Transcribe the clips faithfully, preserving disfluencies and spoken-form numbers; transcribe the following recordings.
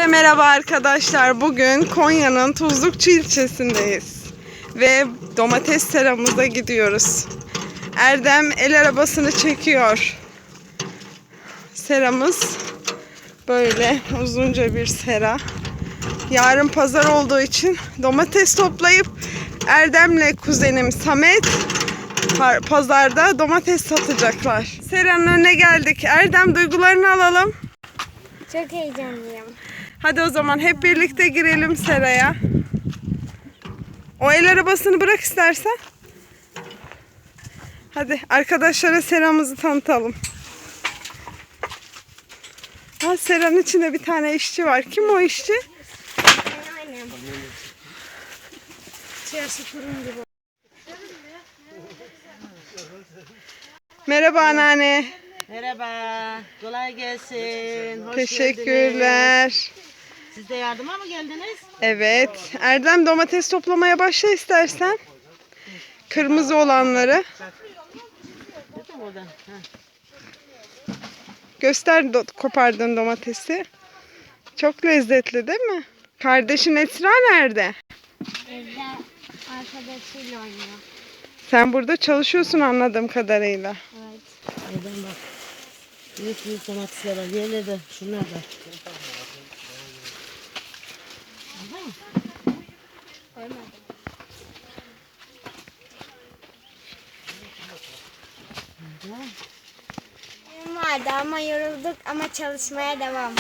merhaba arkadaşlar. Bugün Konya'nın Tuzlukçu ilçesindeyiz. Ve domates seramıza gidiyoruz. Erdem el arabasını çekiyor. Seramız böyle uzunca bir sera. Yarın pazar olduğu için domates toplayıp Erdem'le kuzenim Samet pazarda domates satacaklar. Seranın önüne geldik. Erdem, duygularını alalım. Çok heyecanlıyım. Hadi o zaman hep birlikte girelim seraya. O el arabasını bırak istersen. Hadi arkadaşlara seramızı tanıtalım. Ha, seranın içinde bir tane işçi var. Kim o işçi? Benim annem. İçerisi kurum gibi. Merhaba anneanne. Merhaba, kolay gelsin. Hoş Teşekkürler. geldiniz. Siz de yardıma mı geldiniz? Evet. Erdem, domates toplamaya başla istersen. Kırmızı olanları. Dedim oradan. Ha. Göster do- kopardığın domatesi. Çok lezzetli değil mi? Kardeşin Esra nerede? Evde arkadaşıyla oynuyor. Sen burada çalışıyorsun anladığım kadarıyla. Evet. Oradan bak. Büyük büyük domatesler var. Yerleri de şunlar da. Koymadım. Benim vardı ama yorulduk ama çalışmaya devam.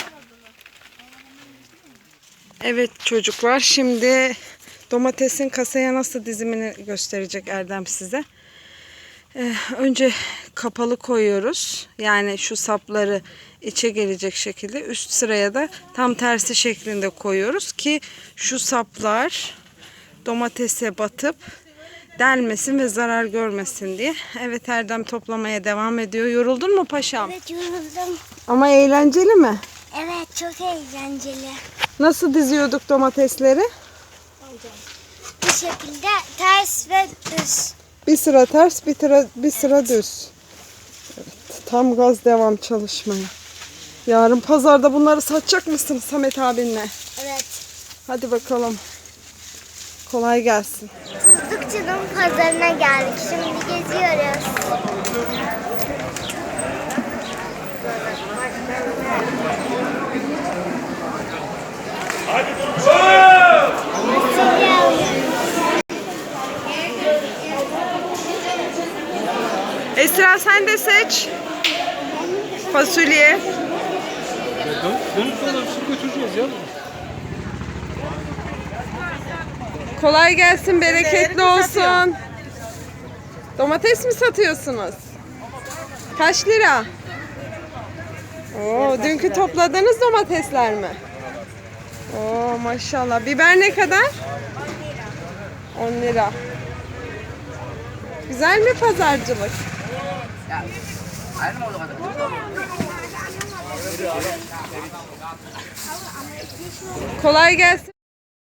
Evet çocuklar, şimdi domatesin kasaya nasıl dizimini gösterecek Erdem size. Ee, önce kapalı koyuyoruz. Yani şu sapları içe gelecek şekilde, üst sıraya da tam tersi şeklinde koyuyoruz ki şu saplar domatese batıp delmesin ve zarar görmesin diye. Evet, Erdem toplamaya devam ediyor. Yoruldun mu paşam? Evet, yoruldum. Ama eğlenceli mi? Evet, çok eğlenceli. Nasıl diziyorduk domatesleri? Bu şekilde ters ve düz. Bir sıra ters, bir sıra, bir sıra düz. Evet, tam gaz devam çalışmaya. Yarın pazarda bunları satacak mısın Samet abinle? Evet. Hadi bakalım. Kolay gelsin. Tuzlukçu'nun pazarına geldik. Şimdi geziyoruz. Fasulye alıyoruz. Esra, sen de seç. Fasulye. Dönüp dolaşıp götüreceğiz ya. Kolay gelsin, bereketli olsun. Domates mi satıyorsunuz? Kaç lira? Oo, dünkü topladığınız domatesler mi? Oo, maşallah. Biber ne kadar? on lira. Güzel mi pazarcılık? Kolay gelsin.